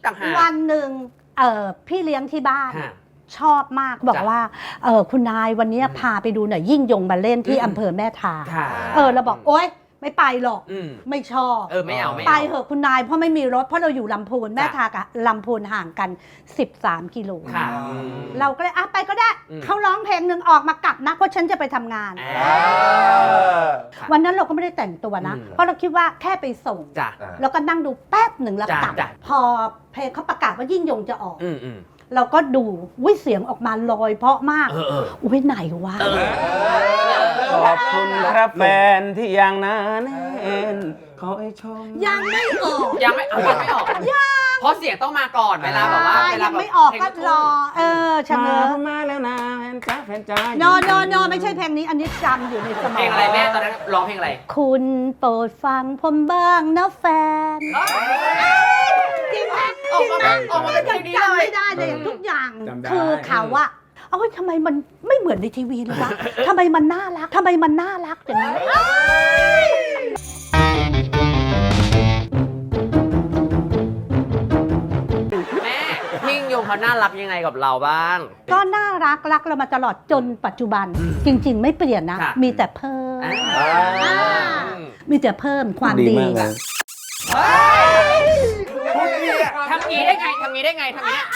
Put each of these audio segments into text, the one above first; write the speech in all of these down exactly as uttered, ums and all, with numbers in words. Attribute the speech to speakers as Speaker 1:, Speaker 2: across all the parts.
Speaker 1: ต่างหาก
Speaker 2: วันหนึ่งเออพี่เลี้ยงที่บ้านชอบมากบอกว่าเออคุณนายวันนี้พาไปดูหน่อยยิ่งยงมาเล่นที่อำเภอแม่ทาเออเราบอกโอ๊ยไม่ไปหรอกไม่ชอบ
Speaker 1: เออไม่เอา
Speaker 2: ไปเหอะคุณนายเพราะไม่มีรถเพราะเราอยู่ลำพูนแม่ทากับลำพูนห่างกันสิบสามกิโลเราก็เลยอ่ะไปก็ได้เขาร้องเพลงหนึ่งออกมากลับนะเพราะฉันจะไปทำงานวันนั้นเราก็ไม่ได้แต่งตัวนะเพราะเราคิดว่าแค่ไปส่งแล้วก็นั่งดูแป๊บหนึ่งแล้วกลับพอเพลงเขาประกาศว่ายิ่งยงจะออกเราก็ดูวิเสียงออกมาลอยเพราะมากอุ้ยไหนวะ
Speaker 3: ขอบคุณครับแฟนที่ยังหนาแน่นขอให้ชม
Speaker 2: ยังไม่ออก
Speaker 1: ยังไม่ยังไม่ออกเพราะเสียงต้องมาก่อนเวลาแบบว่าเวลา
Speaker 2: ยังไม่ออกก็รอเออชะเง้อ
Speaker 3: มาแล้วนะแฟนจ้าแฟนจ้า
Speaker 2: โนโนโนไม่ใช่เพลงนี้อันนี้จำอยู่ในสมอง
Speaker 1: เพลงอะไรแม่ตอนนั้นร้องเพลงอะไร
Speaker 2: คุณโปรดฟังผมบ้างนะแฟนจริงไหม
Speaker 1: ออกมาออกมาเป็นเพลงนี้เลย
Speaker 2: ไม่ได้เลยทุกอย่างคือเขาว่าเอ้ยทำไมมันไม่เหมือนในทีวีเลยวะทำไมมันน่ารักทำไมมันน่ารักอย่างนี้
Speaker 1: แม่ยิ่งยงเขาน่ารักยังไงกับเราบ้าง
Speaker 2: ก็น่ารักรักเรามาตลอดจนปัจจุบันจริงๆไม่เปลี่ยนนะมีแต่เพิ่มมีแต่เพิ่มความดี
Speaker 1: ทำงี้ได้ไงทำงี้ได้ไงทำงี้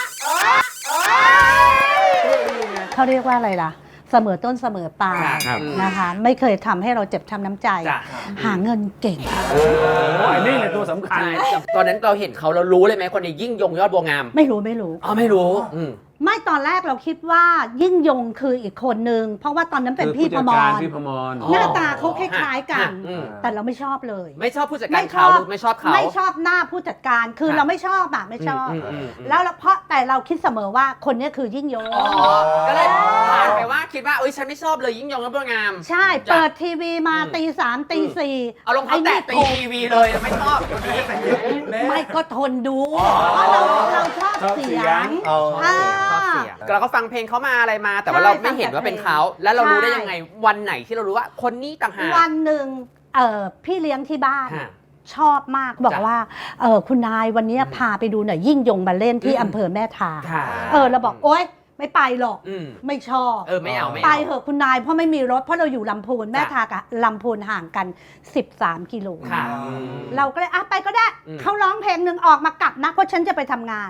Speaker 2: เขาเรียกว่าอะไรล่ะเสมอต้นเสมอปลายนะคะไม่เคยทำให้เราเจ็บช้ำน้ำใจหาเงินเก่ง
Speaker 3: นี่แหละตัวสำคัญ
Speaker 1: ตอนนั้นเราเห็นเขาเรารู้เลยไหมคนนี้ยิ่งยงยอดบัวงาม
Speaker 2: ไม่รู้ไม่รู้
Speaker 1: อ๋อไม่รู้
Speaker 2: ไม่ตอนแรกเราคิดว่ายิ่งยงคืออีกคนนึงเพราะว่าตอนนั้นเป็นพี่พมรหน้าตาเขาคล้ายๆกันแต่เราไม่ชอบเลย
Speaker 1: ไม่ชอบผู้จัดการเขาหรือไม่ชอบเขา
Speaker 2: ไม่ชอบหน้าผู้จัดการคือเราไม่ชอบแบบไม่ชอบแล้วเพราะแต่เราคิดเสมอว่าคนนี้คือยิ่งยง
Speaker 1: ก็เลยผ่านไปว่าคิดว่าเอ้ยฉันไม่ชอบเลยยิ่งยงยอดบัวงาม
Speaker 2: ใช่เปิดทีวีมาตีสามตีสี่
Speaker 1: เอาลงเขาแตะตีทีวีเลยไม่ชอบคนนี้
Speaker 2: ไม่ก็ทนดูเพราะเราเราชอบเสียง
Speaker 1: เราก็ฟังเพลงเขามาอะไรมาแต่ว่าเราไม่เห็นว่าเป็นเขาแล้วเรารู้ได้ยังไงวันไหนที่เรารู้ว่าคนนี้ต่างหาก
Speaker 2: วันหนึ่งเออพี่เลี้ยงที่บ้านชอบมากบอกว่าเออคุณนายวันนี้พาไปดูหน่อยยิ่งยงมาเล่นที่อำเภอแม่ทาเออเราบอกโอ๊ยไม่ไปหรอกไม่ชอบ
Speaker 1: เออไม่เอา
Speaker 2: ไปเหอะคุณนายเพราะไม่มีรถเพราะเราอยู่ลำพูนแม่ทากับลำพูนห่างกันสิบสามกิโลเราก็เลยอ่ะไปก็ได้เขาร้องเพลงหนึ่งออกมากลับนะเพราะฉันจะไปทำงาน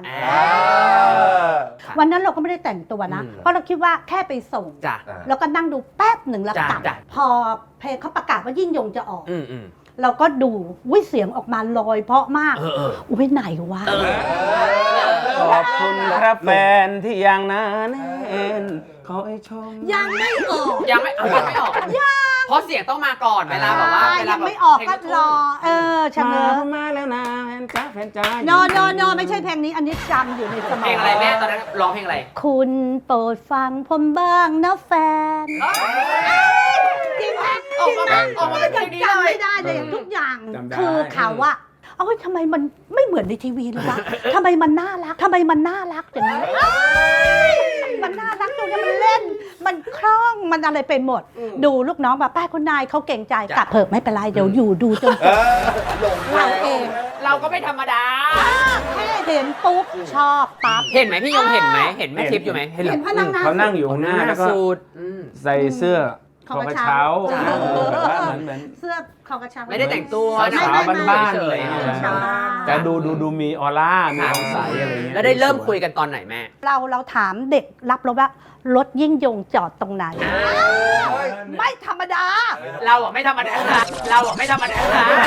Speaker 2: วันนั้นเราก็ไม่ได้แต่งตัวนะเพราะเราคิดว่าแค่ไปส่งแล้วก็นั่งดูแป๊บหนึ่งแล้วกลับพอเพลงเขาประกาศว่ายิ่งยงจะออกเราก็ดูวิเสียงออกมาลอยเพราะมากอุ้ยไหนวะ
Speaker 3: ขอบคุณครับแฟนที่ยังหนาแน่นขอให้ชม
Speaker 2: ยังไม่ออก
Speaker 1: ยังไม่ยังไม่ออกเพราะเสียงต้องมาก่อนเวลาแบบว่าเวลา
Speaker 2: ยังไม่ออกก็รอเออชะเง้อ
Speaker 3: มาแล้วนะแฟนจ้าแฟนจ้า
Speaker 2: โนโนโนไม่ใช่เพลงนี้อันนี้จำอยู่ในสมอง
Speaker 1: เพลงอะไรแม่ตอนนั้นร้องเพลงอะไร
Speaker 2: คุณโปรดฟังผมบ้างนะแฟนจริงไหม
Speaker 1: ออกมาออกมาเป็นเพลงนี้เลย
Speaker 2: ไม่ได้เลยทุกอย่างคือเขาว่าเอ้ยทำไมมันไม่เหมือนในทีวีเลยวะทำไมมันน่ารักทำไมมันน่ารักอย่างนี้มันน่ารักตรงนี้มันเล่นมันคล่องมันอะไรไปหมดดูลูกน้องแบบป้าคุณนายเขาเก่งใจกลับเถอะไม่เป็นไรเดี๋ยวอยู่ดูจนจบเราเอง
Speaker 1: เราก็ไม่ธรรมดา
Speaker 2: แค่เห็นปุ๊บชอบปั๊บ
Speaker 1: เห็นไหมพี่ยงเห็นไหมเห็นแม่ทิพย์อยู่ไหม
Speaker 2: เห็นพนักงาน
Speaker 3: เขานั่งอยู่ข้างหน้าแล้วก็ใส่เสื้อคอกระเช้าแบบว่าเหมือนเหมือน
Speaker 2: เสื้อคอกระเช้า
Speaker 1: ไม่ได้แต่งตัว
Speaker 3: สาวบ้านๆเลยแต่ดูดูดูมีออร่ามีอองใสอะไรเงี้ย
Speaker 1: แล้วได้เริ่มคุยกันตอนไหนแม่
Speaker 2: เราเราถามเด็กรับรถว่ารถยิ่งยงจอดตรงไหนไม่ธรรมดา
Speaker 1: เราอ่ะไม่ธรรมดาเราอ่ะไม่ธรรมดา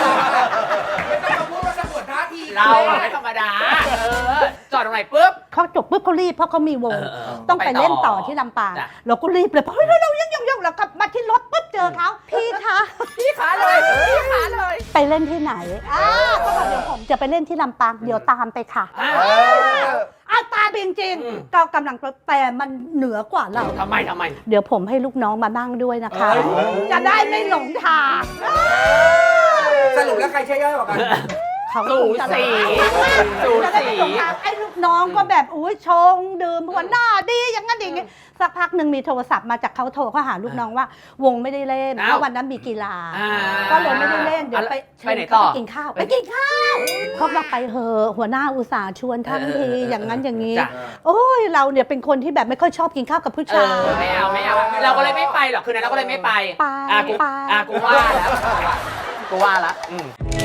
Speaker 1: เราอ่ะไม่ธรรมดาจอดตรงไหนปุ๊บ
Speaker 2: เขาจบปุ๊บเขารีบเพราะเขามีวงต้องไปเล่นต่อที่ลำปางเราก็รีบเลยเพราะเฮ้ยเรายังยังยังเรากลับมาที่รถปุ๊บเจอเขาพี่คะ
Speaker 1: พี่ขาเลยพี่ขาเลย
Speaker 2: ไปเล่นที่ไหนอ้าเขาบอกเดี๋ยวผมจะไปเล่นที่ลำปางเดี๋ยวตามไปค่ะอ้าวตาจริงๆก็กำลังแต่มันเหนือกว่าเรา
Speaker 1: ทำไมทำไม
Speaker 2: เดี๋ยวผมให้ลูกน้องมานั่งด้วยนะคะจะได้ไม่หลงทาง
Speaker 4: สรุปแล้วใครใช่ย่อยกว่ากัน
Speaker 1: สูสีสูสี
Speaker 2: ไอ้ลูกลูกน้องก็แบบอุ้ยชงดื่มหัวหน้าดีอย่างนั้นอย่างงี้สักพักหนึ่งมีโทรศัพท์มาจากเขาโทรเขาหาลูกน้องว่าวงไม่ได้เล่นเพราะวันนั้นมีกีฬาก็เลยไม่ได้เล่นเดี๋ยวไปเชิญเขาไปกินข้าวไปกินข้าวเขาบอกไปเหอะหัวหน้าอุตส่าห์ชวนทั้งทีอย่างนั้นอย่างนี้โอ้ยเราเนี่ยเป็นคนที่แบบไม่ค่อยชอบกินข้าวกับผู้ชาย
Speaker 1: ไม่เอาไม่เอาเราก็เลยไม่ไปหรอกคืนนั้นเราก็เลยไม่ไป
Speaker 2: ไป
Speaker 1: อ่ะกู
Speaker 2: ไป
Speaker 1: อ่ะกูว่าแล้วกูว่าแล้ว